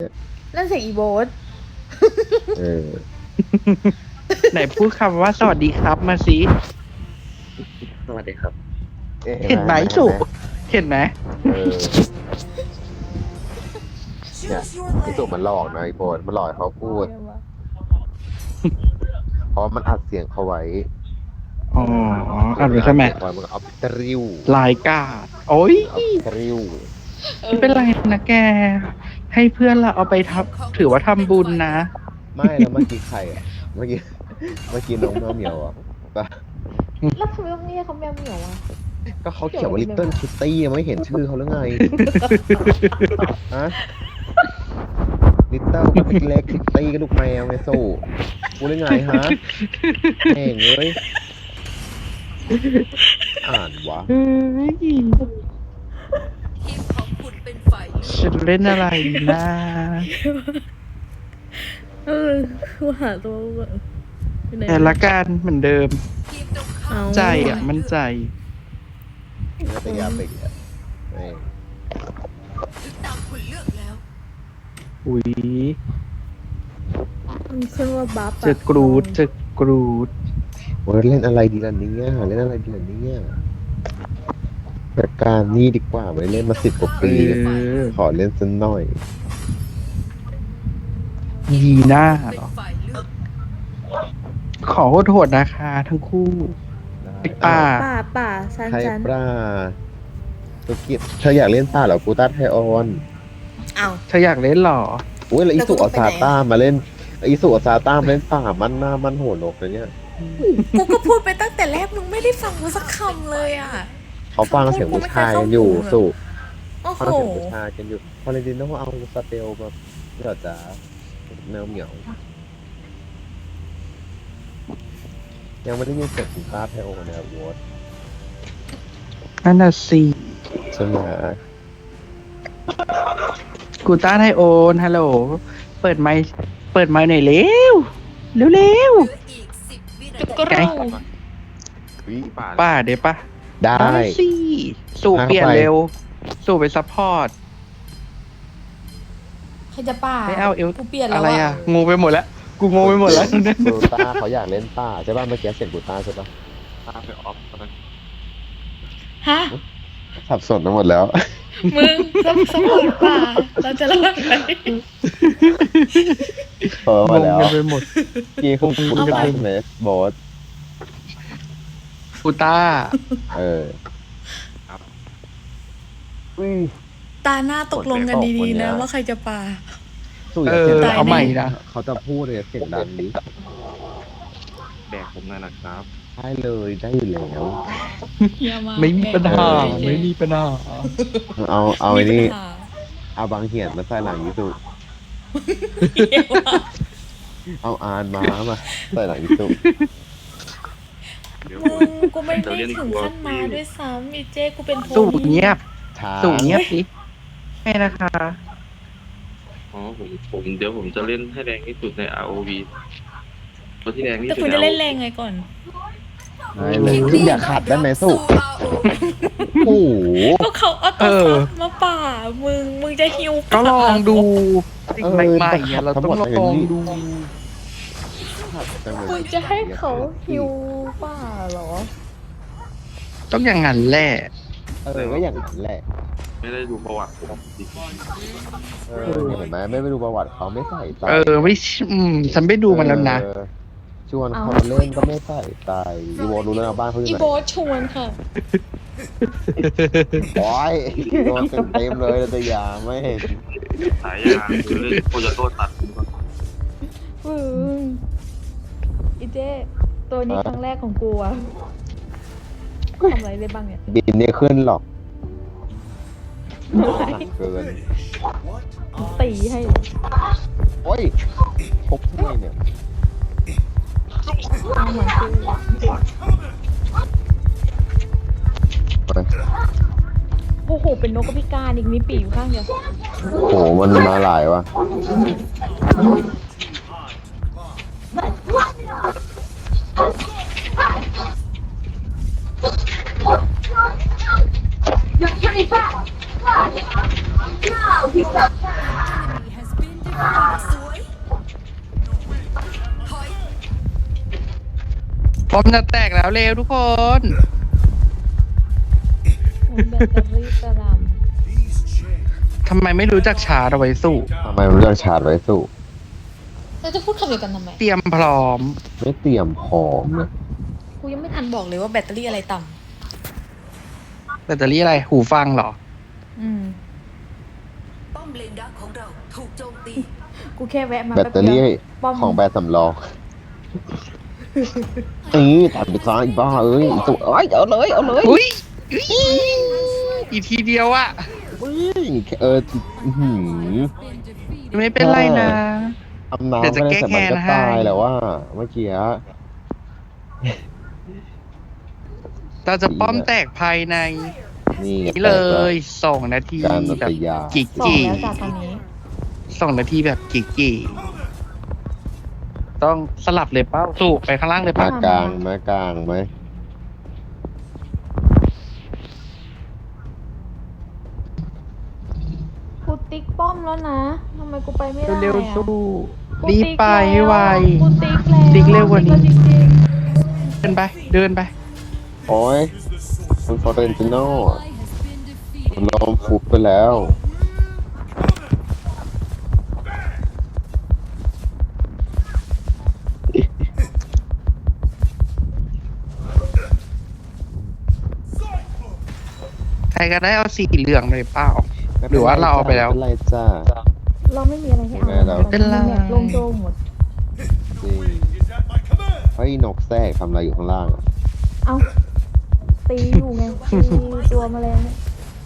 นั่นเสียงอีโบสเออไหนพูดคำว่าสวัสดีครับมาสิสวัสดีครับเห็นไหมสุเห็นไหมเออเนี่ยไอ้สุมันหลอกนะไอ้โบนมันหลอกให้เขาพูด เพราะมันอัดเสียงเขาไว้อ๋ออ่านไว้ใช่ไหมไว้มันก็เอาไปตริวลายกาดโอ้ยเอาไปตริวไม่เป็นไรนะแก ให้เพื่อนเราเอาไปทำถือว่าทำบุญนะไม่แล้วเมื่อกี้ใครอ่ะเมื่อกี้น้องแมวเหมียวอ่ะก็แล้วทำไมต้องเรียกเขาแมวเหมียวอ่ะก็เขาเขียนว่า Little Kitty ไม่เห็นชื่อเขาหรือไงฮะ Little ก็เล็ก Kitty ก็ลูกแมวไงสู้กูหรือไงฮะเองเลยอ่านวะเฮ้ยทีมของคุณเป็นฝ่ายเลือกฉันเล่นอะไรนะกูหาตัวก่อนอยู่ไหนแต่ละการเหมือนเดิมทีมตรงข้ามใจอ่ะ มั่นใจน่าจะยาเบกอ่ะแม่งถึงตามคุณเลือกแล้วอุ้ยมันขึ้นว่าบัฟเจอกรูดเจอกรูดโอ้ยเล่นอะไรดีล่ะเนี่ยเล่นอะไรดีล่ะเนี่ยแต่การนี่ดีกว่าไม่เล่นมา10 กว่าเอปีอขอเล่นสักหน่อยยีหน้าเป็นเหรอฝ่ายเลือกขอโทษนะคะทั้งคู่ไอ้ป้าป่าซันไทยซันปลาตุกิจเธออยากเล่นป่าเหรอกูต้าไทยออนอ้าวเธออยากเล่นเหรออุ้ยแล้วอีสุแล้วกูอาต้องไปไหนซาต้ามาเล่นอีสุอาซาต้ามาเล่นป่ามันหน้ามันหัวนกนะเนี่ยกูก็พูดไปตั้งแต่แรกมึงไม่ได้ฟังกูสักคำเลยอ่ะเขาฟังเสียงผู้ชายกันอยู่สุโอ้ฟังโหเสียงผู้ชายกันอยู่พอเลนติโนเอาสเตลมาเดี๋ยวจะแมวเหมียวยังไม่ได้ยินเสียงคุณต้าไทยโอในวอตนั่นน่ะสิใช่ไหมกูต้าไทโอนฮัลโหล เปิดไมค์หน่อยเร็ว เร็วเหลืออีก10 วินาทีก็รู้วิป่าป้าเดี๋ยวป้าได้สิสู่เปลี่ยนเข้าไปเร็ว สู่ไปซัพพอร์ตใครจะป่าไม่เอาเอวกูเปลี่ยนแล้อะวไรอ่ะ งูไปหมดแล้ว กูงงไปหมดแล้วกูต้าเขาอยากเล่นป่าใช่ป่ะเมื่อกี้เสียงกูต้าใช่ป่ะตามไปออฟตอนนั้นฮะสับสนไปหมดแล้วมึงสมองป่าเราจะเล่าอะไรเออมาแล้วงงกันไปหมดกี่คุณต้าใช่ไหมบอสกูต้าเอออุ้ยตาหน้าตกลงกันดีๆนะว่าใครจะป่าสู้อย่าเสียงเออดังเอาใหม่นะเขาจะพูดเลยเสียงดังดิแบกผมหน่อยนะครับได้เลยได้อยู่แล้วไม่มีปัญหา ไม่มีปัญหาเอาไอ้นี่เอาบางเหียนมาใส่หลังยิสุเอาอานมาใส่หลังยิสุเดี๋ยวมึงกูไม่ได้ถึงขั้นมาด้วยซ้ำอีเจ้กูเป็นโพสู่ลีเงียบช้าสู่เงียบสิไม่นะคะอ๋อผมเดี๋ยวผมจะเล่นให้แรงที่สุดใน ROV ตัวที่แรงที่แต่สุดคุณในจะเล่น ROV แรงไงก่อนได้เลยอย่าขัดได้ไหมสุสู่ ROV โอ้โหก็เขาเอาตัวซับมาป่ามึงจะฮิวก็ป่าลองดูสิ่งใหม่ๆเนี่ยเราต้องลองดูมึงจะให้เขาฮิวป่าเหรอต้องอย่างนั้นแหละก็อย่างนั้นแหละไม่ได้ดูประวัติผมจริงเห็นไหมไม่ไปดูประวัติเขาไม่ใส่ใจไม่ฉันไปดูมันแล้วนะเออชวนเขาเล่นก็ไม่ใส่ใจอีโวรู้แล้วนะบ้านเขาอยู่อีไหนโบสชวนค่ะโอ้ยโดนเต็มเลยแต่ยาไม่เห็นสายยาคือเล่นโคโยโต้ตัดผมก็อีเจ้ตัวนี้ครั้งแรกของกูอะทำอะไรได้บ้างเนี่ยบินเนี่ยขึ้นหรอกหนักเกินตีให้โอ้ยพกทำไมเนี่ยเอาเหมือนคือ โอ้โห เป็นนกกระพิการอีกมีปีกอยู่ข้างเดียวโหมันมาหลายวะ has been ป้อมจะแตกแล้วเร็วทุกคนแบตเตอรี่กระดทำไมไม่รู้จักชาร์จเอาไว้สู้ทำไมมันเลือกชาร์จไว้สู้ำเราจะพูดคำเดียวกันทำไมเตรียมพร้อมไม่เตรียมพร้อมนะกูยังไม่ทันบอกเลยว่าแบตเตอรี่อะไรต่แบตเตอรี่อะไร หูฟังเหรอำป้อมเลนดักของเราถูกโจมตีกูแค่แวะมาแบตเตอรี่ป้อมของแบตสำรองนี่ตัดไปซ้ายอีบ้าเอ้ยอีตัวเอ้ยเอาเลยเอาเลยอุ้ยอีกทีเดียวอะอุ้ยอื้อหือไม่เป็นไรนะทำน้ำเดี๋ยวจะไม่ได้แก้แต่มันก็แค้นให้ตายแล้วว่าเมื่อกี้เราจะป้อมแตกภายในนี่ไงนี่เลย2 นาทีการนัแบบตยากิกสองกี่แล้วจากตอนนี้ 2 นาทีแบบกิกกี่ต้องสลับเลยเป้าสู้ไปข้างล่างเลยมาเป้ากลางมากลางไหมกูติ๊กป้อมแล้วนะทำไมกูไปไม่ได้เร็วอะๆสู้กูรีบติ๊กไปแล้วไวกูติ๊กแล้วติ๊กเร็วกว่านี้ติ๊แล้วจริงเดินไปเดินไปโอ้ยคุณฟอร์เรนติโน่มันล้มฟุบไปแล้วใครก็ได้เอาสีเหลืองเลยเปล่า หรือว่าเราเอาไปแล้วม่เป็นไรจ้าๆเราไม่มีอะไรให้เอาไม่เราเป็นไรแบบโล่งโจงหมดจริงเฮ้ยนกแทรกทำอะไรอยู่ข้างล่างอะเอาตีอยู่ไงตีตัวแมลงเนี่ย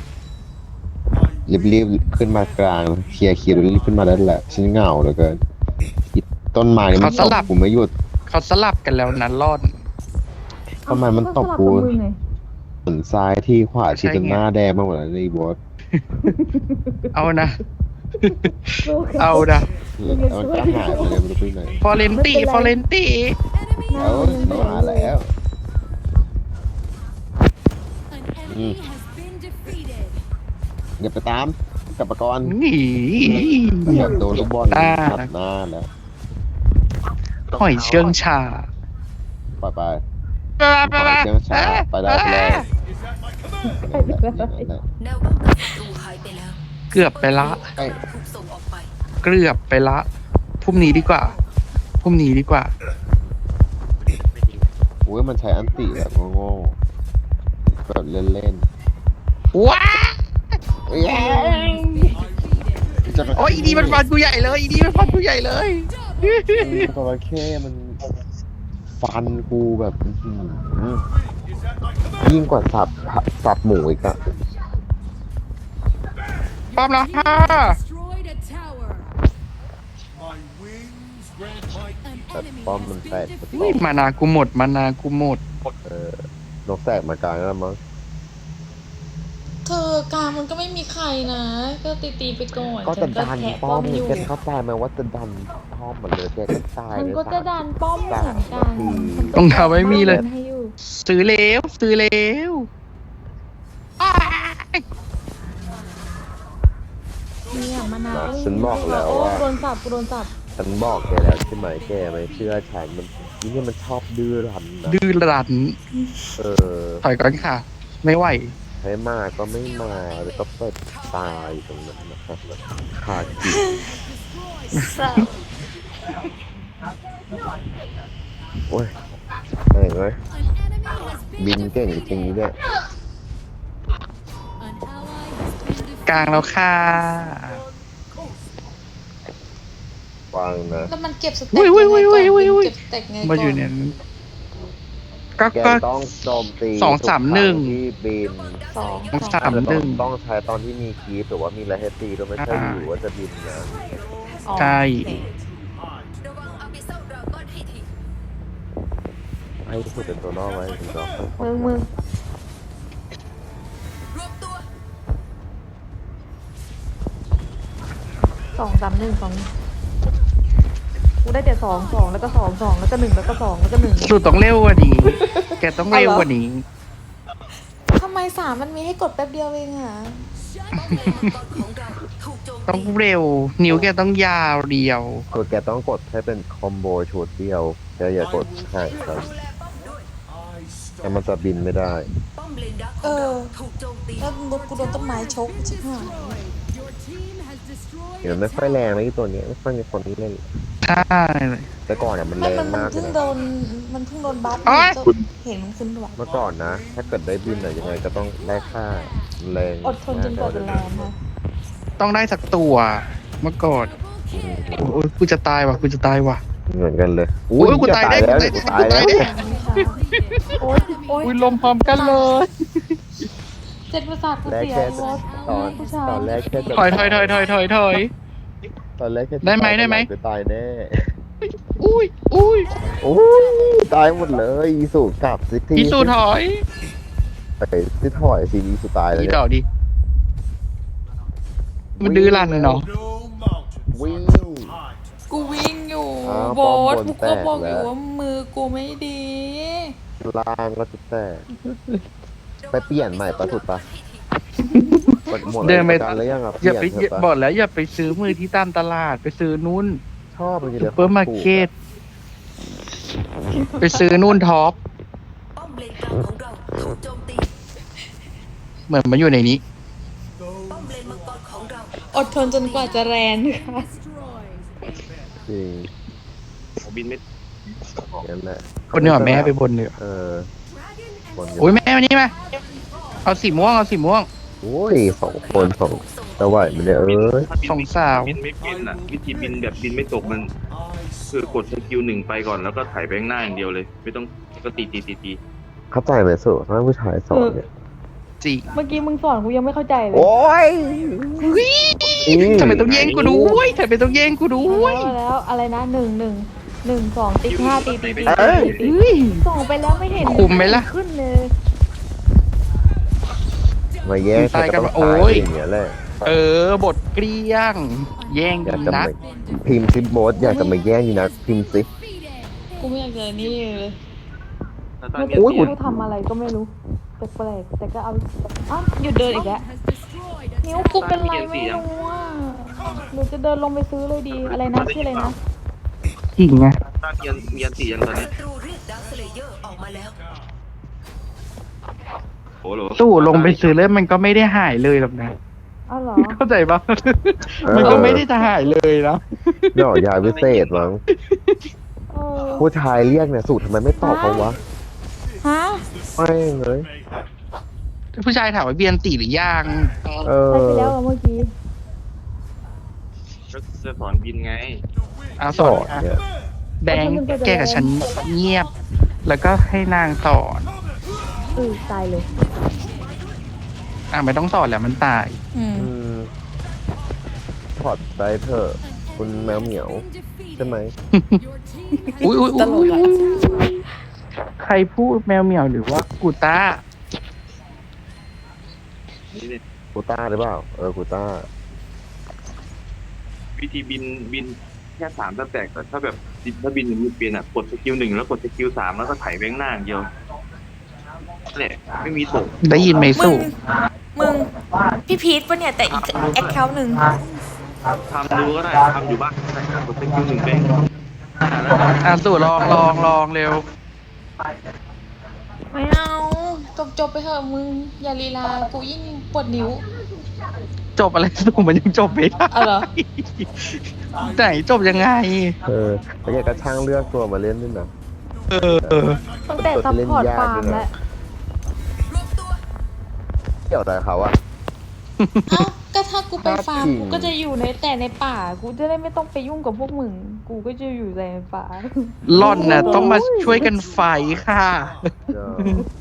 รีบๆขึ้นมากลางเคลียร์รีบขึ้นมาได้แหละฉันเหงาเหลือเกินอีต้นไม้นี่มันเขาตสบลับกูไม่หยุดเขาสลับกันแล้วนะรอดทำไมมันตบสลักูบกับมึงไงเหมือนซ้ายที่ขวาที่ใช่จนไงหน้าแดงมากหมดแล้วนี่บอสเอานะสู้กันเอานะแล้วมันก็หายไปเลยไม่รู้ไปไหนฟอเรนติฟอเรนติหน้าแล้วมันยังเราแดงหาแล้ว An enemy has been defeated. อย่าไปตามกลับมาก่อนหนีแบบโดนลูกบอลตาตัดหน้าแล้วหอยเชื่องชาไปไปไปไปปล่อยเชือกช้าไปได้ไปเลยแนวป้องกันศัตรูหายไปแล้วเกือบไปละไอ้ถูกส่งออกไปเกือบไปละพรุ่งนี้ดีกว่าพรุ่งนี้ดีกว่าโอ้ยมันใช้อันติแบบโง่ๆแบบเล่นว้าๆจะไปโอ้ยอีดีมันฟันกูใหญ่เลยอีดีมันฟันกูใหญ่เลยจระเข้มันฟันกูแบบอื้อหือยิ่งกว่าสับหมูอีกอะพร้อมแล้วค่ะ Destroyed a tower. แต่ป้อมมันแตกอุ้ยมานากูหมดมานากูหมดนกแตกมากลางแล้วมั้งเธอกลางมันก็ไม่มีใครนะ ก็ตีไปก่อนก็จะฉัดันแทะป้อมอยู่แกเข้าใจไหมว่าจะดันป้อมหมดเลยแกก็ตายมันเลยก็จะดันป้อมเหมือนกันรองเท้าไม่มีเลยให้อยู่ซื้อเร็วซื้อเร็วอ้ายเนี่ยมานาวฉันบอกแล้วโอ้ว่าโดนสับกูโดนสับฉันบอกแกแล้วใช่ไหมแกไม่เชื่อฉันมันนี่มันชอบดื้อรั้นนะดื้อรั้นเออถอยก่อนค่ะ ไม่ไหวให้มาก็ไม่มาแล้วก็เปิดตายตรงนั้นนะครับคากิสับโอ้ยเห็นไหม An enemy has been บินเก่งจริงๆเนี่ย An ally has been defeated. กลางแล้วค่ะวางนะแล้วมันเก็บสเต็กอุ้ยอุ้ยอุ้ยอุ้ยอุ้ยอุ้ยเก็บสเต็กไงก่อนมาอยู่เนี่ยก็แกก็ต้องโจมตีสองสามหนึ่งทุกครั้ที่บินสองสามหนึ่งต้องใช้ตอนที่มีคีปหรือว่ามีอะไรให้ตีด้วยไม่ใช่อยู่ว่าจะบินนะอ๋อใช่โอเคระวังอาบิเซลดราก้อนให้ทีให้พูดเป็นตัวล่อไว้ถึงจะมึงรวมตัว 2-3-1-2กูได้แต่2แล้วก็2แล้วก็1แล้วก็2แล้วก็1 สุดต้องเร็วกว่านี้ แกต้องเร็วกว่านี้ทำไม3มันมีให้กดแป๊บเดียวเองอ่ะป้อมเลนมังกรของเราถูกโจมต้องตีเร็ว นิ้วแกต้องยาวเดียวคือแกต้องกดให้เป็นคอมโบชุดเดียวแกอย่ากดห่างกันดูแลป้อมด้วยแต่มันจะบินไม่ได้ป้อมเลนดักของเราถูกโจมตีแล้วรถกูโดนต้นไม้ชกชิบหายเดี๋ยวไม่ค่อยแรงนะไอ้ตัวเนี้ยไม่ค่อยมีคนเล่นใช่แต่ก่อนอ่ะมันมัแรนงมันมากเลเพิ่ยงนะโดนมันเพิ่งโดนบัฟโอ๊ยเห็นมันขึ้นด้วยเมื่อก่อนนะ ถ้าเกิดได้บินอะยังไงก็ต้องได้ค่าแรงอดทนจนกว่าจะแรงค่ะต้องได้สักตัวเมื่อก่อนโอ้ยกูจะตายว่ะกูจะตายว่ะเหมือนกันเลยโอ้ยกูตายได้แล้วกูกูตาตาย ยได้แล้วโอ๊ยโอ๊ยอุ้ยลมพร้อมกันเลยเจ็ดประสาทกูแรกเสียแค่รถ ผู้ชายตอนแรกแค่จะถอยถอยถอยถอยถอยถอยตอนแรกแค่จะได้ไหมได้ไหมจะตายแน่อุ้ยอุ้ยโอ้ยตายหมดเลยอีสุกลับสิทีอีสูถอยไปสิถอยสิอีสุตายเลยอีเนี่ยต่อดิมันดื้อรั้นเลยเนาะวิ่งกูวิ่งอยู่อ้าวโบสป้อมบนกูก็บอกแตกอแล้วยู่ว่ามือกูไม่ดีล่างก็จะแตกไปเปลี่ยนใหม่ปะสุดปะหมดเดินไปประกันแล้วยังอ่ะอย่าไปเปลี่ยนเถอะบอปะกแล้วอย่าไปซื้อมือที่ตามตลาดไปซื้อนู่นชอบจริงๆซูเลยเปอร์มาร์เก็ตไปซื้อนู่นท็อปป้อมเลนกลางของเราถูกโจมตีเหมือนมันอยู่ในนี้ป้อมเลนมังกรของเราอดทนจนกว่าจะแรงค่ะจริงผมบินไม่นั่นแหละคนเหนือแม่ไปบนเหนือเออคนเดียวโอ้ยแม่วันนี้มาเอาสีม่วงเอาสีม่วงโอ้ยสองจะไหวไหมเนี่ยเอ้ยถ้าบินสองสาวบินไม่เป็นอ่ะ วิธีบินแบบบินไม่ตกมัน คือกดสกิลหนึ่งไปก่อนแล้วก็ถ่ายไปข้างหน้าอย่างเดียวเลย ไม่ต้องก็ตีเข้าใจไหมสุถ้าผู้ชายสอนเนี่ยจริงเมื่อกี้มึงสอนกูยังไม่เข้าใจเลยโอ้ยทำไมต้องแย่งกูด้วยทำไมต้องแย่งกูด้วยแล้วอะไรนะ1 2ติ๊ก5ตีเอ้ยส่งไปแล้วไม่เห็นคุมไหมล่ะขึ้นเลยมาแย่งตายกันก็ต้องโอ้ยอย่างเงี้ยแหละเออบทเกลี้ยง แย่งอยากดีจะนัมาก พิมพ์ซิโบสอยากจะมาแย่งอยู่นะพิมพ์ซิกูไม่อยากเจอนี่เลยถ้าตาเมื่อเนียกี้นกูทำอะไรก็ไม่รู้แปลกๆแต่ก็เอาอ้าวหยุดเดินอีกแล้วนิ้วกูเป็นไรไม่รู้อ่ะหนูจะเดินลงไปซื้อเลยดีอะไรนะชื่ออะไรนะจริงไงตาเนียนเนียนตีอย่างตอนนี้ศัตรูเรียกดาร์คสเลเยอร์ออกมาแล้วโอ้โหตู้ลงไปซื้อแล้วมันก็ไม่ได้หายเลยหรอกนะอ้าวเหรอเข้าใจปะมันก็ไม่ได้จะหายเลยนะเนาะยาวิเศษมั้งเออผู้ชายเรียกเนี่ยสูตรทำไมไม่ตอบเขาวะฮะไม่เลยผู้ชายถามว่าเบียนตีหรือยังเออใช่ไปแล้วเหรอเมื่อกี้ก็จะสอนบินไงอาสสออน นเนี่ยแบงค์แกกับฉันเงียบ แล้วก็ให้นางสอนตายเลยไม่ต้องสอนแล้วมันตายอืมอืมถอดใจเถอะคุณแมวเหมียวใช่ไหมอุ้ยอุ้ยตลกอะใครพูดแมวเหมียวหรือว่ากูต้านี่เนี่ยกูต้าหรือเปล่ากูต้าวิธีบินแค่3สแต็กแต่ถ้าแบบถ้าบินอย่างนี้เปลี่ยนอ่ะกดสกิล1แล้วกดสกิล3แล้วก็ถ่ายไปข้างหน้าอย่างเดียวนั่นแหละไม่มีตกได้ยินไหมมึสู้ง มึง พี่พีทปะเนี่ย แต่อีกแอคเคาท์หนึ่งทำดูก็ได้ทำอยู่บ้านก็ได้กดสกิล1ไปแล้วสู้ลองเร็วไม่เอาจบไปเถอะมึง อย่าลีลา กูยิ่งปวดนิ้วจบอะไรสู้มันยังจบไม่ได้เอาเหรอไหนจบยังไงแล้วแกก็ช่างเลือกตัวมาเล่นด้วยนะเออตั้งแต่ซัพพอร์ตฟาร์มแล้วรวมตัวเกี่ยวอะไรเขาอะเอ้า ก็ถ้ากูไปฟาร์มจริงกูก็จะอยู่ในป่ากูจะได้ไม่ต้องไปยุ่งกับพวกมึง กูก็จะอยู่แต่ในป่าล่อนน่ะต้องมาช่วยกันไฟค่ะเออ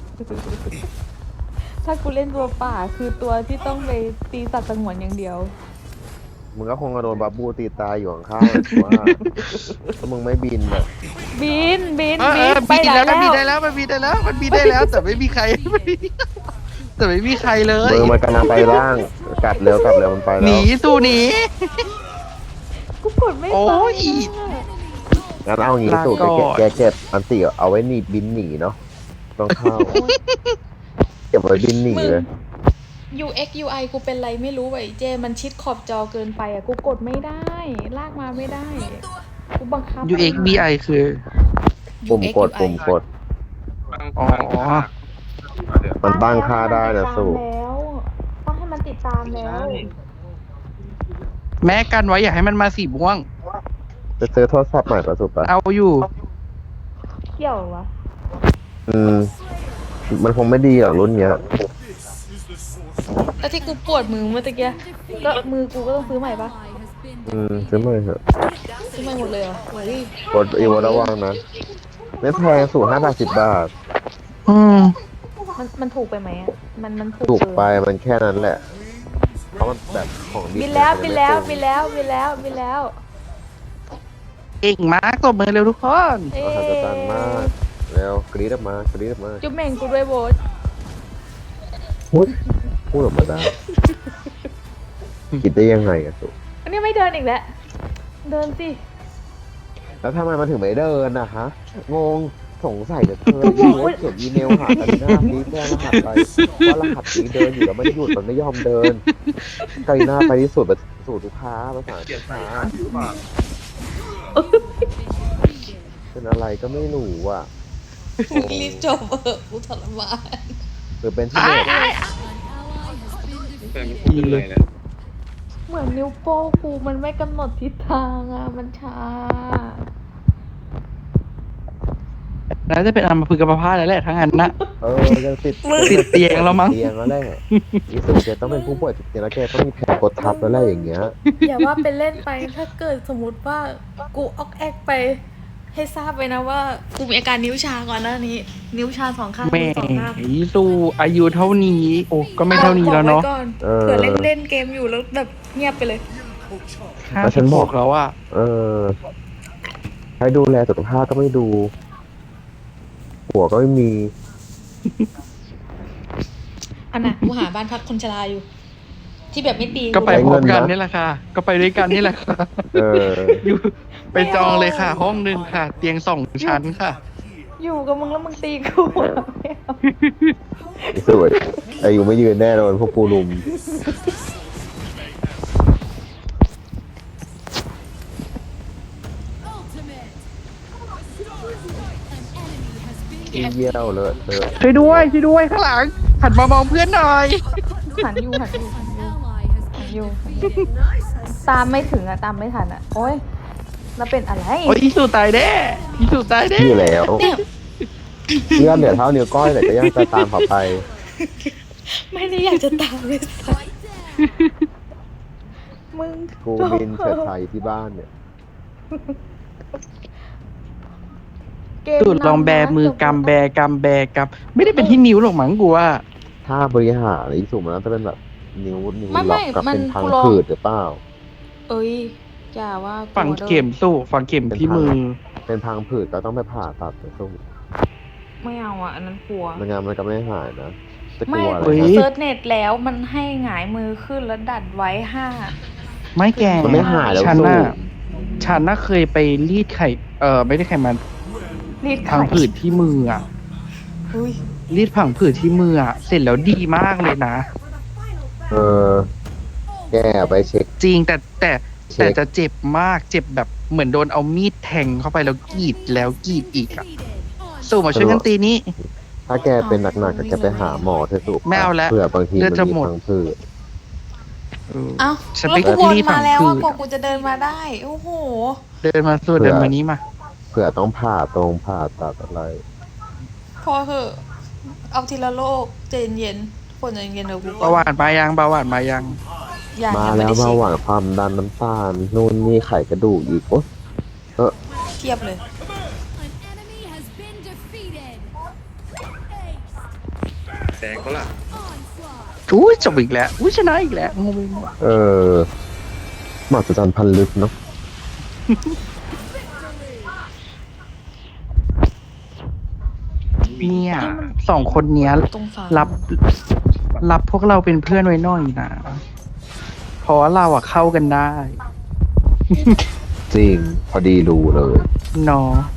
ถ้ากูเล่นตัวป่าคือตัวที่ต้องไปตีสัตว์สงวนอย่างเดียวมึงก็คงกระโดนบับบูตีตายอยู่ข้างๆเลยว่าถ้ามึงไม่บินอะบินเอไปบินไหนแล้วแล้มันบินวได้แล้วมันบินได้แล้วมันบินได้แล้ว แต่ไม่มีใคร แต่ไม่มีใครเลยมือมันกำลังไปล่างกลับเร็วมันไปหแล้นีวสู้หนีกูกดไม่โอ้ไปยงั้นเอางี้สูตรลาก่อนแกเก็บอันตีเอาไว้หนีบินหนีเนาะต้องเข้าเก็บไว้บินหนีเลย UX UI กูเป็นไรไม่รู้ไอ้เจ มันชิดขอบจอเกินไปอ่ะ กูกูกดไม่ได้ ลากมาไม่ได้ กูบังคับ UXBI คือปุ่มกด UX UI ปุ่มกดอ๋อมันตั้งค่าได้นะสู้แล้วตั้งให้มันติดตามแล้วแม้กันไว้อย่าให้มันมาสีม่วงจะซื้อโทรศัพท์ใหม่ประสุปะเอาอยู่เกี่ยววะมันคงไม่ดีหรอกรุ่นเนี้ยแล้วที่กูปวดมือเมื่อตะกี้ก็มือกูก็ต้องซื้อใหม่ปะซื้อใหม่เถอะทำไมหมดเลยเหรอโอ้ยกดอีวอระวังนะ ไม่แพงสูง5 บาทอืมมันถูกไปไหมอ่ะ มันถูกถูกเกินไปมันแค่นั้นแหละ เพราะมันแบบของดีบินแล้วบินแล้วบินแล้วบินแล้วบินแล้วเก่งมากตบมือเร็วทุกคนเอ๊มหัศจรรย์มากแล้วกรี๊ดออกมากรี๊ดออกมาจุ๊บเม่งกูด้วยโบสพูดออกมาได้ คิดได้ยังไงอะสุอันนี้ไม่เดินอีกแล้ว เดินสิแล้วทำไมมันถึงไม่เดินนะฮะ งงสงสัยเหลือเกินยูเขียนอีเมลหากันหน้าฟีแจ้งรหัสไปว่ารหัสนี้เดินอยู่แล้วไม่ได้หยุดมันไม่ยอมเดินไกลหน้าไปที่สุดแบบสู่ลูกค้าภาษาเกลียดค้าหรือเปล่าเป็นอะไรก็ไม่รู้อ่ะรีบจบเออกูทรมานหรือเป็นที่เน็ตแฟนไม่พูดเลยเนี่ยเหมือนนิ้วโป้งกูมันไม่กำหนดทิศทางอ่ะ มันช้าแล้วจะเป็นอัมพฤกษ์อัมพาตแล้วแหละทั้งนั้นนะจะติดติดเตียงแล้วมั้งเตียงแล้วแหละอีสุแกต้องเป็นผู้ป่วยติดเตียงแล้วแกต้องมีแผลกดทับแล้วแหละอย่างเงี้ยอย่าว่าเป็นเล่นไปถ้าเกิดสมมติว่ากูออกแอกไป ให้ทราบไปนะว่า กูมีอาการนิ้วชาก่อนหน้านี้ นิ้วชาสองข้างแม่มือสองข้างสู้อายุเท่านี้ โอ้ก็ไม่เท่านี้แล้วเนาะบอกไก่อนเออเผื่อเล่นเล่นเกมอยู่แล้วแบบเงียบไปเลยแล้วฉันบอกแล้วอ่ะให้ดูแลสุขภาพก็ไม่ดู หัวก็ไม่มีอันน่ะกูหาบ้านพักคนชราอยู่ ที่แบบไม่ตีก็ไปใช้พร้เงิอมนกันนะนี่แหละค่ะ ก็ไปด้วยกันนี่แหละค่ะเอออยู่ไปจองเลยค่ะ ห้องหนึ่งค่ะ เตียง2 ชั้นค่ะอยู่กับมึงแล้วมึงตีกูอะไม่เอาอีสุอายุไม่ยืนแน่นอนพวกกูลุมเยี่ยวเลยเธอช่วยด้วยช่วยด้วยข้างหลัง หันมามองเพื่อนหน่อยหันอยู่หันอยู่หันอยู่หันอยู่หันอยู่ตามไม่ถึงอะตามไม่ทันอะโอ๊ยแล้วเป็นอะไรโอ้ยอีสุตายแน่อีสุตายแน่ชื่อแล้วเนี่ยเลื่อนเหลือเท่านิ้วก้อยแต่ก็ยังจะตามเขาไปไม่ได้อยากจะตามเลยสัสมึงกูบินเฉิดไทยที่บ้านเนี่ยเกมสุดลองแบมือกำแบกำแบกำไม่ได้เป็นที่นิ้วหรอกมั้งกูว่าถ้าบริหารอีสุมันน่าจะเป็นแบบนิ้วล็ไม่อกกับมันเป็นพังกูลองผืดหรือเปล่าเอ้ยอย่าว่าฝังเข็มสู้ฝังเข็มที่มือเป็นพังผืดก็ต้องไปผ่าตัดไปสู้ไม่เอาอะอันนั้นกลัวไม่งั้นมันก็ไม่หายนะจะกไม่ลัวอะไรเฮ้ยกูนะเซิร์ชเน็ตแล้วมันให้หงายมือขึ้นแล้วดัดไว้5 ไม่แก่มันไม่หายแล้วฉันสู้น่ะฉันน่ะเคยไปรีดไข่ไม่ได้ไข่มันรีดพังผืดที่มืออ่ะอุ้ยรีดผังผืดที่มืออ่ะ เสร็จแล้วดีมากเลยนะแกไปเช็คจริงแต่เช็คจะเจ็บมากเจ็บแบบเหมือนโดนเอามีดแทงเข้าไปแล้วกรีดแล้วกรีดอีกอ่ะสู้มาช่วยกันตีนี้ถ้าแกเป็นหนักๆก็แกไปหาหมอเถอะสุไม่เอาแล้วเผื่อบางทีเลืมัอดนจะมีหมดพังผืดเอ้าฉันแล้วไปกูวนรีดผัมาง แล้วผือะดกว่ากูจะเดินมาได้ โอ้โหเดินมาสู้เดินมานี้มาเผื่อต้องผ่าตรงผ่าตัดอะไรพอเถอะ เอาทีละโลกใจเย็นๆคนใจเย็นๆเดี๋ยวกูก่เบาหวานมายังเบาหวานมายังอย่างมายังไม่แล้วได้เบาเช็คหวานความดันน้ำตาลนู่นนี่ไขกระดูกอีกโอ๊ยเทียบเลยแตกเขาล่ะอุ้ยจบอีกแล้วอุ้ยชนะอีกแล้วงงไปหมดมหัศจรรย์พันลึกเนาะเนี่ย2 คนเนี้ยตรงฝารับพวกเราเป็นเพื่อนไว้หน่อยนะเพราะว่าเราอะเข้ากันได้จริง พอดีรู้เลยเนาะ